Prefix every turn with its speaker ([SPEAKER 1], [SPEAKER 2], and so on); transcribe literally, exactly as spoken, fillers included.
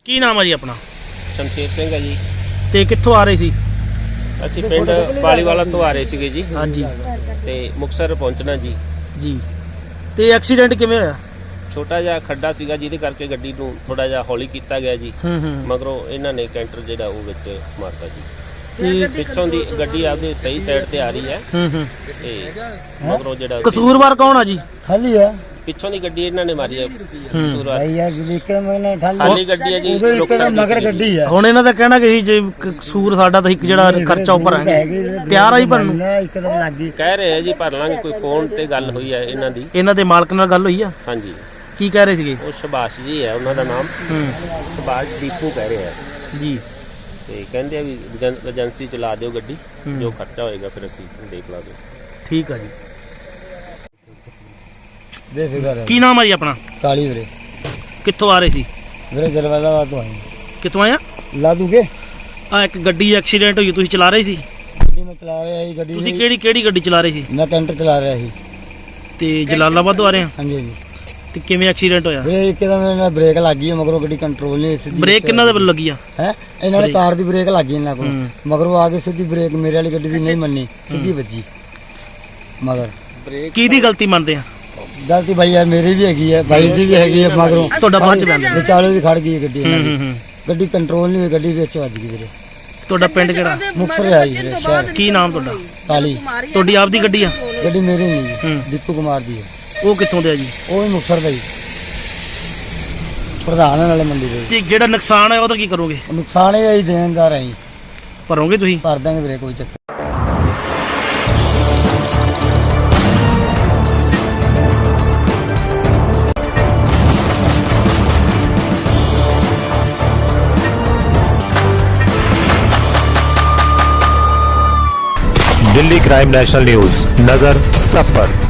[SPEAKER 1] ਕੀ ਨਾਮ ਹੈ ਜੀ ਆਪਣਾ?
[SPEAKER 2] ਸ਼ਮਸ਼ੇਰ ਸਿੰਘ ਹੈ ਜੀ।
[SPEAKER 1] ਤੇ ਕਿੱਥੋਂ ਆ ਰਹੇ ਸੀ?
[SPEAKER 2] ਅਸੀਂ ਪਿੰਡ ਪਾਲੀਵਾਲਾ ਤੋਂ ਆ ਰਹੇ ਸੀਗੇ ਜੀ
[SPEAKER 1] ਹਾਂਜੀ
[SPEAKER 2] ਤੇ ਮੁਕਤਸਰ ਪਹੁੰਚਣਾ ਜੀ।
[SPEAKER 1] ਜੀ ਤੇ ਐਕਸੀਡੈਂਟ ਕਿਵੇਂ ਹੋਇਆ?
[SPEAKER 2] ਛੋਟਾ ਜਿਹਾ ਖੱਡਾ ਸੀਗਾ ਜਿਹਦੇ ਕਰਕੇ ਗੱਡੀ ਨੂੰ ਥੋੜਾ ਜਿਹਾ ਹੌਲੀ ਕੀਤਾ ਗਿਆ ਜੀ।
[SPEAKER 1] ਹੂੰ ਹੂੰ
[SPEAKER 2] ਮਗਰੋਂ ਇਹਨਾਂ ਨੇ ਕੈਂਟਰ ਜਿਹੜਾ ਉਹ ਵਿੱਚ ਮਾਰਤਾ ਜੀ।
[SPEAKER 1] ਤੇ
[SPEAKER 2] ਪਿੱਛੋਂ ਦੀ ਗੱਡੀ ਆਪਦੇ ਸਹੀ ਸਾਈਡ ਤੇ ਆ ਰਹੀ ਹੈ
[SPEAKER 1] ਹੂੰ ਹੂੰ
[SPEAKER 2] ਤੇ ਮਗਰੋਂ ਜਿਹੜਾ
[SPEAKER 1] ਕਸੂਰਵਾਰ ਕੌਣ ਆ ਜੀ?
[SPEAKER 3] ਖਾਲੀ ਹੈ
[SPEAKER 2] ਪਿੱਛੋਂ ਦੀ ਗੱਡੀ ਇਹਨਾਂ ਨੇ ਮਾਰੀ ਹੈ। ਕਸੂਰਵਾਰ
[SPEAKER 3] ਭਾਈ ਯਾਰ ਜਿੱਕੇ ਮੈਨੇ ਖਾਲੀ
[SPEAKER 2] ਖਾਲੀ ਗੱਡੀ ਹੈ ਜੀ।
[SPEAKER 3] ਉਹਦੇ ਉੱਤੇ ਤਾਂ ਮਗਰ ਗੱਡੀ ਹੈ।
[SPEAKER 1] ਹੁਣ ਇਹਨਾਂ ਦਾ ਕਹਿਣਾ ਕਿ ਜੇ ਕਸੂਰ ਸਾਡਾ ਤਾਂ ਇੱਕ ਜਿਹੜਾ ਖਰਚਾ ਉਹ ਭਰਾਂਗੇ, ਤਿਆਰ ਆ ਜੀ ਭਰਨ ਨੂੰ?
[SPEAKER 3] ਇੱਕਦਮ ਲੱਗ ਗਈ।
[SPEAKER 2] ਕਹਿ ਰਹੇ ਆ ਜੀ ਭਰ ਲਾਂਗੇ। ਕੋਈ ਫੋਨ ਤੇ ਗੱਲ ਹੋਈ ਹੈ ਇਹਨਾਂ ਦੀ।
[SPEAKER 1] ਇਹਨਾਂ ਦੇ ਮਾਲਕ ਨਾਲ ਗੱਲ ਹੋਈ ਆ?
[SPEAKER 2] ਹਾਂਜੀ।
[SPEAKER 1] ਕੀ ਕਹਿ ਰਹੇ ਸੀਗੇ?
[SPEAKER 2] ਉਹ ਸੁਭਾਸ਼ ਜੀ ਹੈ ਉਹਨਾਂ ਦਾ ਨਾਮ।
[SPEAKER 1] ਹੂੰ
[SPEAKER 2] ਸੁਭਾਸ਼ ਦੀਪੂ ਕਹਿ ਰਹੇ ਆ
[SPEAKER 1] ਜੀ।
[SPEAKER 2] ਤੇ ਕਹਿੰਦੇ ਆ ਵੀ ਏਜੰਸੀ ਚਲਾ ਦਿਓ ਗੱਡੀ, ਜੋ ਖਰਚਾ ਹੋਏਗਾ ਫਿਰ ਅਸੀਂ ਦੇਖ ਲਾਂਗੇ।
[SPEAKER 1] ਠੀਕ ਆ ਜੀ।
[SPEAKER 3] ਬੇਫਿਕਰ ਹੈ।
[SPEAKER 1] ਕੀ ਨਾਮ ਹੈ ਜੀ ਆਪਣਾ?
[SPEAKER 3] ਕਾਲੀ ਵੀਰੇ।
[SPEAKER 1] ਕਿੱਥੋਂ ਆ ਰਹੇ ਸੀ?
[SPEAKER 3] ਵੀਰੇ ਜਲਵਾਲਾ ਤੋਂ ਆਏ।
[SPEAKER 1] ਕਿੱਥੋਂ ਆਇਆ?
[SPEAKER 3] ਲਾ ਦੂਗੇ
[SPEAKER 1] ਆ ਇੱਕ ਗੱਡੀ ਐਕਸੀਡੈਂਟ ਹੋਈ, ਤੁਸੀਂ ਚਲਾ ਰਹੇ ਸੀ?
[SPEAKER 3] ਗੱਡੀ ਮੈਂ ਚਲਾ ਰਿਹਾ ਸੀ। ਗੱਡੀ
[SPEAKER 1] ਤੁਸੀਂ ਕਿਹੜੀ ਕਿਹੜੀ ਗੱਡੀ ਚਲਾ ਰਹੇ ਸੀ?
[SPEAKER 3] ਮੈਂ ਕੈਂਟਰ ਚਲਾ ਰਿਹਾ ਸੀ।
[SPEAKER 1] ਤੇ ਜਲਾਲਾਬਾਦ ਤੋਂ ਆ ਰਹੇ ਆ?
[SPEAKER 3] ਹਾਂਜੀ ਹਾਂਜੀ
[SPEAKER 1] ਤੇ ਕਿਵੇਂ ਐਕਸੀਡੈਂਟ ਹੋਇਆ?
[SPEAKER 3] ਵੀਰੇ ਇੱਕਦਮ ਮੇਰੇ ਨਾਲ ਬ੍ਰੇਕ ਲੱਗ ਗਈ, ਮਗਰੋਂ ਗੱਡੀ ਕੰਟਰੋਲ ਨਹੀਂ ਸਿੱਧੀ।
[SPEAKER 1] ਬ੍ਰੇਕ ਕਿੰਨਾ ਦੇ ਵੱਲ ਲੱਗੀ ਆ?
[SPEAKER 3] ਹੈ ਇਹਨਾਂ ਨੇ ਕਾਰ ਦੀ ਬ੍ਰੇਕ ਲੱਗ ਗਈ ਇਹਨਾਂ ਕੋਲ,
[SPEAKER 1] ਹੂੰ।
[SPEAKER 3] ਮਗਰੋਂ ਆ ਕੇ ਸਿੱਧੀ ਬ੍ਰੇਕ ਮੇਰੇ ਵਾਲੀ ਗੱਡੀ ਦੀ ਨਹੀਂ ਮੰਨੀ, ਸਿੱਧੀ ਵੱਜੀ ਮਗਰ।
[SPEAKER 1] ਕਿਹਦੀ ਗਲਤੀ ਮੰਨਦੇ ਆ?
[SPEAKER 3] ਗਲਤੀ ਭਾਈ ਯਾਰ ਮੇਰੀ ਵੀ ਹੈਗੀ ਹੈ, ਭਾਈ ਦੀ ਵੀ ਹੈਗੀ ਹੈ। ਮਗਰੋਂ
[SPEAKER 1] ਤੁਹਾਡਾ ਬਾਅਦ ਚ ਬੰਦ?
[SPEAKER 3] ਵਿਚਾਲੇ ਵੀ ਖੜ ਗਈ ਹੈ ਗੱਡੀ ਇਹਨਾਂ
[SPEAKER 1] ਹੂੰ
[SPEAKER 3] ਦੀ।
[SPEAKER 1] ਹੂੰ।
[SPEAKER 3] ਗੱਡੀ ਕੰਟਰੋਲ ਨਹੀਂ ਹੋਈ, ਗੱਡੀ ਵਿੱਚ ਵੱਜ ਗਈ ਵੀਰੇ।
[SPEAKER 1] ਤੁਹਾਡਾ ਪਿੰਡ ਕਿਹੜਾ?
[SPEAKER 3] ਮੁਕਤਸਰ ਹੈ ਜੀ ਵੀਰੇ ਸ਼ਹਿਰ।
[SPEAKER 1] ਕੀ ਨਾਮ ਤੁਹਾਡਾ?
[SPEAKER 3] ਕਾਲੀ।
[SPEAKER 1] ਤੁਹਾਡੀ ਆਪਦੀ ਗੱਡੀ ਆ?
[SPEAKER 3] ਗੱਡੀ ਮੇਰੀ ਨਹੀਂ ਜੀ,
[SPEAKER 1] ਹੂੰ।
[SPEAKER 3] ਦੀਪੂ ਕੁਮਾਰ ਦੀ ਹੈ।
[SPEAKER 1] ਉਹ ਕਿੱਥੋਂ ਦੇ ਆ ਜੀ?
[SPEAKER 3] ਉਹ ਵੀ ਮੁਕਤਸਰ ਦਾ ਜੀ, ਪ੍ਰਧਾਨ ਹੈ ਨਾਲੇ ਮੰਡੀ ਦੇ।
[SPEAKER 1] ਤੇ ਜਿਹੜਾ ਨੁਕਸਾਨ ਹੈ ਉਹਦਾ ਕੀ ਕਰੋਗੇ?
[SPEAKER 3] ਨੁਕਸਾਨ ਇਹ ਹੈ ਜੀ, ਦੇਣਦਾਰ ਹੈ ਜੀ,
[SPEAKER 1] ਭਰੋਗੇ ਤੁਸੀਂ?
[SPEAKER 3] ਭਰ ਦਾਂਗੇ ਵੀਰੇ, ਕੋਈ ਚੱਕਰ।
[SPEAKER 4] दिल्ली क्राइम नेशनल न्यूज, नजर सब पर।